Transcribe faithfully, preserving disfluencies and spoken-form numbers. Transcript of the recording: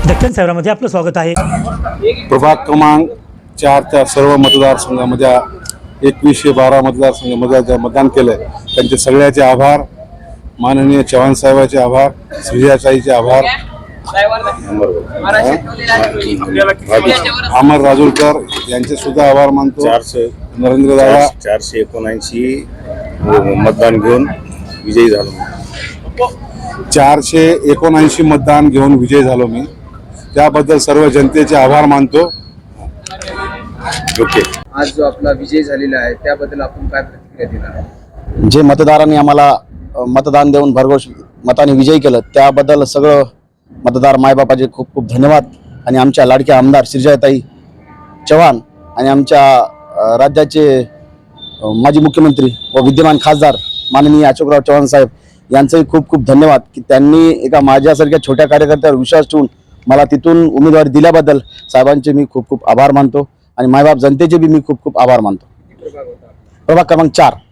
दक्षिण शहरामध्ये आपलं स्वागत आहे। प्रभाग क्रमांक चारच्या सर्व मतदारसंघामध्ये एकवीसशे बारा मतदारसंघामध्ये मतदान केलं आहे त्यांचे सगळ्याचे आभार, माननीय चव्हाण साहेबांचे आभार, श्रीजाताईचे आभार, अमर राजूरकर यांचे सुद्धा आभार मानतो। चारशे नरेंद्र दादा चारशे एकोणऐंशी मतदान घेऊन विजयी झालो चारशे एकोणऐंशी मतदान घेऊन विजयी झालो मी, त्याबद्दल सर्व जनतेचे आभार मानतो। ओके, आज जो आपला विजय झालेला आहे त्याबद्दल आपण काय प्रतिक्रिया देणार? जे मतदारांनी आम्हाला मतदान देऊन भरघोस मताने विजयी केलं त्याबद्दल सगळं मतदार मायबापाचे खूप खूप धन्यवाद। आणि आमच्या लाडक्या आमदार श्रीजाताई चव्हाण आणि आमच्या राज्याचे माजी मुख्यमंत्री व विद्यमान खासदार माननीय अशोकराव चव्हाण साहेब यांचंही खूप खूप धन्यवाद की त्यांनी एका माझ्यासारख्या छोट्या कार्यकर्त्यावर विश्वास ठेवून मला तिथून उमेदवारी दिल्याबद्दल साहेबांचे मी खूप खूप आभार मानतो आणि मायबाप जनतेचे बी मी खूप खूप आभार मानतो। प्रभाग क्रमांक चार।